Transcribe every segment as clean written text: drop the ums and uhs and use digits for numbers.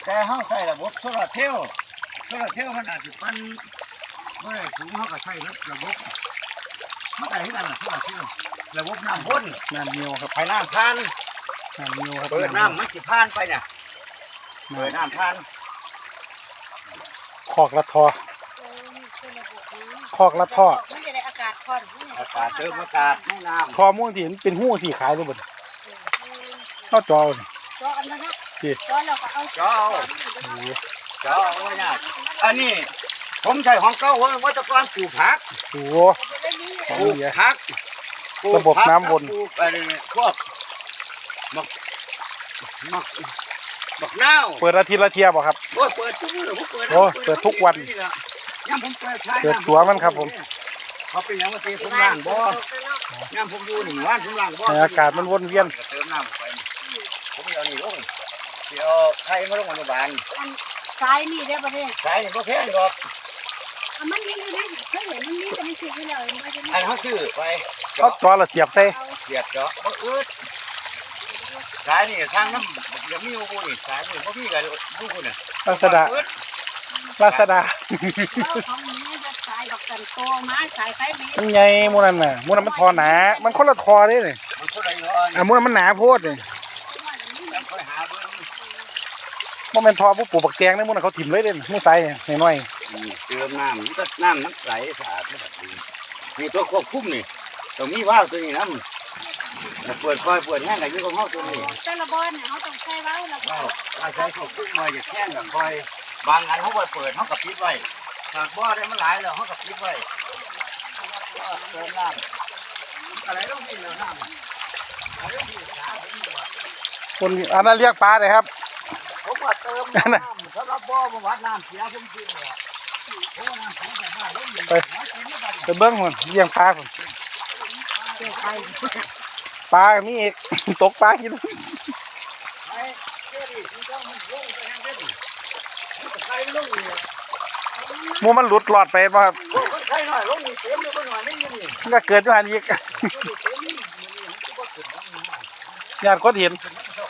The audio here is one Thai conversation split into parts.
แต่เฮาใช้ระบบโซลาร์เซลล์มันอาจจะปั้นเมื่อสูงเฮาก็ใช้ระบบมันอะไรที่กันล่ะโซลาร์เซลล์ระบบน้ำวนน้ำเนียวครับไปน้ำผ่านน้ำเนียวครับเปิดน้ำมันสิผ่านไปเนี่ยเปิดน้ำผ่านคอกละทอคอกละท่อมันจะได้อากาศค่อนอากาศเติมอากาศไม่น้ำทอม่วงที่เห็นเป็นหู้ที่ขายเลยบ่เข้าจอเลยจออันนั้นนะจอเราก็เอาเจ้าไม่ยากอันนี้ผมใช้ของเก่าวัตกรปลูกผักโอ้ปลูกผักระบบน้ำวนอะไรพวกบักนาวเปิดอาทิตย์ละเที่ยบ่ครับโอ้เปิดทุกวันเปิดทุกวันเปิดตัวมันครับผมเขาเป็นอย่างว่าตีผมล้างบ่ย่ำผมดูหนึ่งวันผมล้างบ่อากาศมันวนเวียนเติมน้ำไปผมเอานี่ลงเดี๋ยวไข่มาลงอนุบาลสายนี่ได้ประเทศสายนี่ก็แค่นี้หรอกมันนี่นะเคยเห็นมันนี่จะไม่ซื้อให้เราอันเขาซื้อไปเขาจอละเสียบใส่เสียบเจาะบ่อึดสายนี่ทางน้ำยังมีโอ้โหนี่สายนี่บ่มีกันดูคุณน่ะลาซาด้ามันใหญ่มูนันน่ะมูนันมันทอหนามันคนละทอได้เลยมูนันมันหนาโพดเลยมันเป็นทอผู้ปลูกบักแตงนี่มูนันเขาถิ่มเลยเด่นมูใส่หน่อยเติมน้ำก็น้ำใสสะอาดไม่แบบนี้มีตัวควบคุมนี่ตรงนี้ว่าวตัวนี้น้ำเปิดคอยเปิดแห้งอะไรอยู่ของเขาตัวนี้แต่ละบอลเนี่ยเขาต้องใช้ว่าวแล้วก็ใช้ควบคุมมาอย่าแห้งกับคอยบางอันเขาเปิดเขากับปิดไว้หากบ่อได้มันหลายแล้วเขากับปิดไว้เติมน้ำอะไรต้องกินแล้วน้ำคนอันนั้นเรียกปลาเลยครับผมว่าเติมน้ำสำหรับบ่อมาวัดน้ำเสียผมจริงเลยไปเบิ้งคนเลี้ยงปลาคนปลามีเอกตกปลากินมูมันหลุดหลอดไปป่ะครับมันก็เกิดมาอีกญาติก็เห็น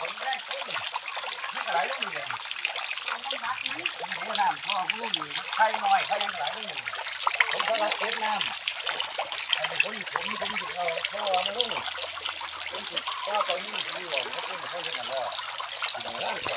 ไข่น้อยไข่ยังไหลไม่หมดผมก็รับเก็บน้ำอันนี้ผมถึงเอาเพราะว่ามันลุ่มผมถึงก็ไปนี่ที่ว่าเขาเป็นเขาเป็นอะไร